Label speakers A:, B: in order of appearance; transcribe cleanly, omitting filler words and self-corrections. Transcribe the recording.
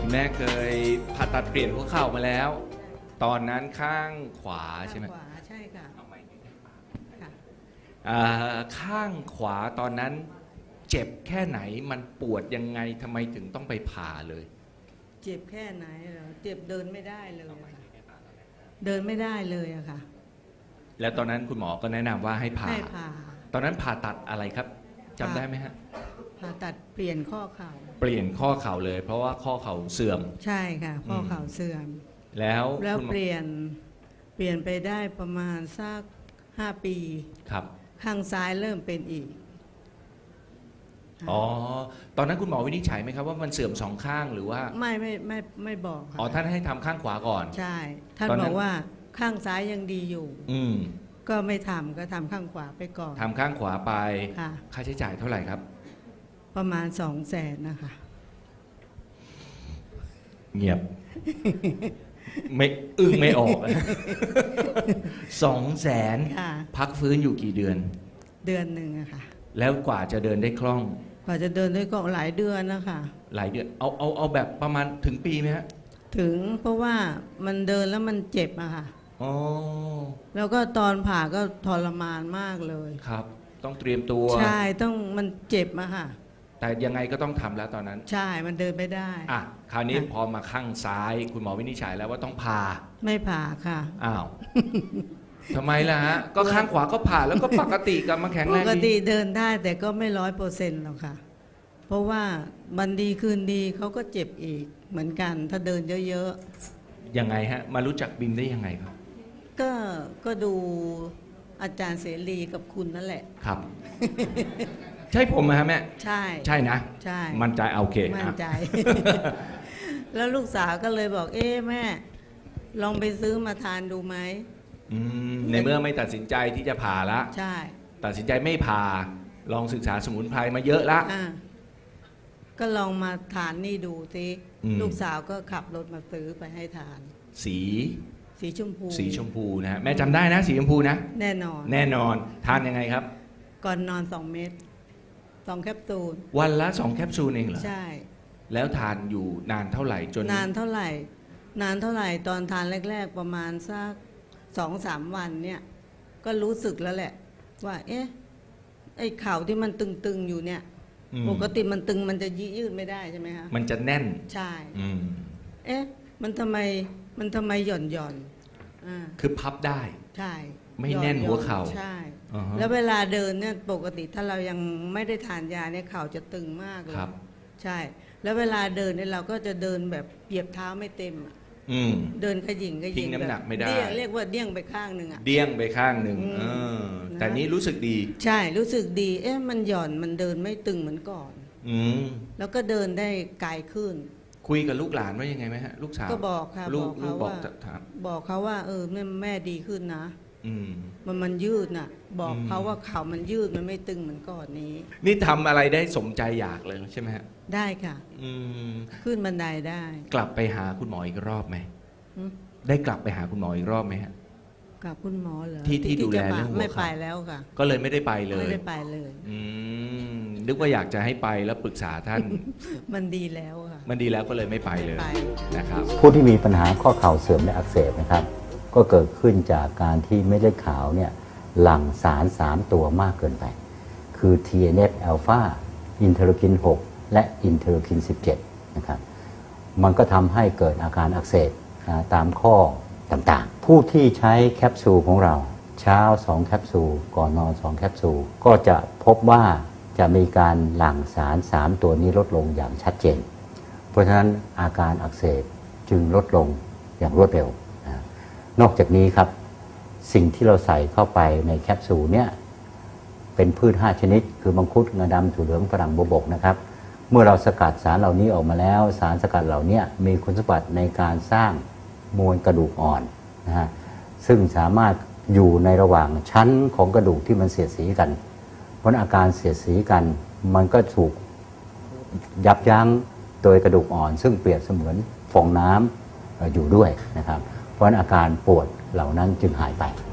A: คุณแม่เคยผ่าตัดเปลี่ยนหัวเข่ามาแล้ว ตอนนั้นข้างขวาใช่ไหม
B: ข้างขวาใช่ค่ะค่ะ
A: ข้างขวาตอนนั้นเจ็บแค่ไหนมันปวดยังไงทำไมถึงต้องไปผ่าเลย
B: เจ็บแค่ไหนเหรอเจ็บเดินไม่ได้เลยอะค่ะเดินไม่ได้เลยอะค่ะ
A: แล้วตอนนั้นคุณหมอก็แนะนำว่าให้ผ่า
B: ให้ผ่า
A: ตอนนั้นผ่าตัดอะไรครับจำได้ไหมฮะ
B: ผ่าตัดเปลี่ยนข้อเข่า
A: เปลี่ยนข้อเข่าเลย เพราะว่าข้อเข่าเสื่อม
B: ใช่ค่ะข้อเข่าเสื่อม
A: แล้ว
B: แล้ว
A: คุณหมอ
B: เปลี่ยนไปได้ประมาณสัก5 ปี
A: ครับ
B: ข้างซ้ายเริ่มเป็นอีก
A: อ๋อตอนนั้นคุณหมอวินิจฉัยไหมครับว่ามันเสื่อมสองข้างหรือว่า
B: ไม่บอกค่ะ
A: อ๋อท่านให้ทำข้างขวาก่อน
B: ใช่ท่าน
A: ตอน
B: บ
A: นั้
B: อน กว่าข้างซ้ายยังดีอยู่
A: อืม
B: ก็ไม่ทำก็ทำข้างขวาไปก่อน
A: ทำข้างขวาไป
B: ค่ะ
A: ค่าใช้จ่ายเท่าไหร่ครับ
B: ประมาณ200,000นะคะ
A: เงียบ ไม่อึ้งไม่ออก 200,000
B: ค่ะ
A: พักฟื้นอยู่กี่เดือน
B: เดือนหนึ่งอะค่ะ
A: แล้วกว่าจะเดินได้คล่อง
B: กว่าจะเดินด้วยก็หลายเดือนนะคะ
A: หลายเดือนเอาแบบประมาณถึงปีไหมฮะ
B: ถึงเพราะว่ามันเดินแล้วมันเจ็บอะค่ะ
A: อ๋อ
B: แล้วก็ตอนผ่าก็ทรมานมากเลย
A: ครับ ต้องเตรียมตัว
B: ใช่ต้องมันเจ็บอะค่ะ
A: แต่ยังไงก็ต้องทำแล้วตอนนั้น
B: ใช่มันเดินไม่ได้
A: อ่ะคราวนี้
B: ค่ะ
A: พอมาข้างซ้าย คุณหมอวินิจฉัยแล้วว่าต้องผ่า
B: ไม่ผ่าค่ะ
A: อ้าว ทำไมล่ะฮะ ก็ข้างขวาก็ผ่าแล้วก็ปกติกลับมาแข็ง
B: ป
A: แรง
B: ก
A: ดี
B: ติเดินได้แต่ก็ไม่100%หรอกค่ะ เพราะว่าวันดีคืนดีเขาก็เจ็บอีกเหมือนกัน ถ้าเดินเยอะ
A: ยังไงฮะ มารู้จักบิมได้ยังไงครับ
B: ๆ ก็ดูอาจารย์เสรีกับคุณนั่นแหละ
A: ครับ ใช่ผมไหมฮะแม่
B: ใช่
A: ใช่นะ
B: ใช่
A: มั่นใจโอเค
B: มั่นใจ
A: อ่ะ
B: แล้วลูกสาวก็เลยบอก เอ๊ะแม่ ลองไปซื้อมาทานดูไหม
A: ในเมื่อไม่ตัดสินใจที่จะผ่าละ
B: ใช่
A: ตัดสินใจไม่ผ่า ลองศึกษาสมุนไพรมาเยอะละ
B: อ่ะก็ลองมาทานนี่ดูสิ
A: อืม
B: ลูกสาวก็ขับรถมาซื้อไปให้ทาน
A: สี
B: สีชมพู
A: สีชมพูนะฮะแม่จำได้นะสีชมพูนะ
B: แน่นอน
A: แน่นอนทานยังไงครับ
B: ก่อนนอน2 เม็ด2 แคปซูล
A: วันละ2แคปซูลเองเหรอ
B: ใช่
A: แล้วทานอยู่นานเท่าไหร่จน
B: นานเท่าไหร่ ตอนทานแรก ๆ ประมาณสัก2-3 วันเนี่ย ก็รู้สึกแล้วแหละ ว่า เอ๊ะ ไอ้เข่าที่มันตึงๆอยู่เนี่ย
A: อืม
B: ปกติมันตึงมันจะยืดไม่ได้ใช่ไหมคะ
A: มันจะแน่น
B: ใช่
A: อืม
B: เอ๊ะ มันทำไมหย่อนอ่า
A: คือพับได้
B: ใช่
A: ไม่แน่นหัวเข่า
B: ใช่
A: อ่าฮะ
B: แล้วเวลาเดินเนี่ยปกติถ้าเรายังไม่ได้ทานยาเนี่ยเข่าจะตึงมากเลย
A: ครับ
B: ใช่ แล้วเวลาเดินเนี่ยเราก็จะเดินแบบเหยียบเท้าไม่เต็มอะ
A: อืม
B: เดินขยิง
A: ทิ้งน้ำหนักไม่ได้
B: เรียกว่าเดี้ยงไปข้างหนึ่งอ่ะ
A: เดี้ยงไปข้างหนึ่ง
B: อืม
A: เออ
B: นะ
A: แต่นี้รู้สึกดี
B: ใช่รู้สึกดี เอ๊ะมันหย่อนมันเดินไม่ตึงเหมือนก่อน
A: อืม
B: แล้วก็เดินได้ไกลขึ้น
A: คุยกับลูกหลานว่ายังไงไหมฮะ ลูกสาว
B: ก็บอกค่ะ
A: ลู
B: บอก ก
A: ลู
B: เขา
A: กบอก
B: ว่า
A: ถาม
B: บอกเขาว่า แม่ดีขึ้นนะ
A: อืม
B: มันยืดน่ะ บอก
A: อืม
B: เขาว่าเข่ามันยืดมันไม่ตึงเหมือนก่อนนี้
A: นี่ทำอะไรได้สมใจอยากเลยใช่ไหมฮะ
B: ได้ค่ะ
A: อืม
B: ขึ้นบันไดได้
A: กลับไปหาคุณหมออีกรอบไหม
B: หึ
A: ได้กลับไปหาคุณหมออีกรอบไหมฮะ
B: กับคุณหมอเหรอ
A: ที่ดูแล
B: จะมา
A: เรื่องหัว
B: ไม่
A: เข่า
B: ไปแล้วค่ะ
A: ก็เลยไม่ได้ไปเลย
B: ไม่ได้ไปเลย
A: อืมนึกว่าอยากจะให้ไปแล้วปรึกษาท่าน
B: มันดีแล้วค่ะ
A: มันดีแล้วก็เลยไม่ไปเลย
B: ไป
A: นะครับ
C: ผู้ที่มีปัญหาข้อเข่าเสื่อมและอักเสบนะครับ ก็เกิดขึ้นจากการที่เม็ดเลือดขาวเนี่ยหลั่งสาร 3 ตัวมากเกินไป คือ TNF อ l p h a อินเทอร์คิน 6 และอินเทอร์คิน 17 นะครับ มันก็ทำให้เกิดอาการอักเสบตามข้อต่างๆ ผู้ที่ใช้แคปซูลของเราเช้า 2 แคปซูล ก่อนนอน 2 แคปซูล ก็จะพบว่าจะมีการหลั่งสาร 3 ตัวนี้ลดลงอย่างชัดเจน เพราะฉะนั้นอาการอักเสบจึงลดลงอย่างรวดเร็วนะนอกจากนี้ครับสิ่งที่เราใส่เข้าไปในแคปซูลเนี่ยเป็นพืช 5 ชนิด คือมังคุดงาดำถั่วเหลืองฝรั่งบวบกนะครับ เมื่อเราสกัดสารเหล่านี้ออกมาแล้วสารสกัดเหล่านี้มีคุณสมบัติในการสร้างมวลกระดูกอ่อนนะฮะซึ่งสามารถอยู่ในระหว่างชั้นของกระดูกที่มันเสียดสีกัน เพราะอาการเสียดสีกันมันก็ถูกยับยั้งโดยกระดูกอ่อน ซึ่งเปรียบเสมือนฟองน้ำอยู่ด้วยนะครับเพราะอาการปวดเหล่านั้นจึงหายไป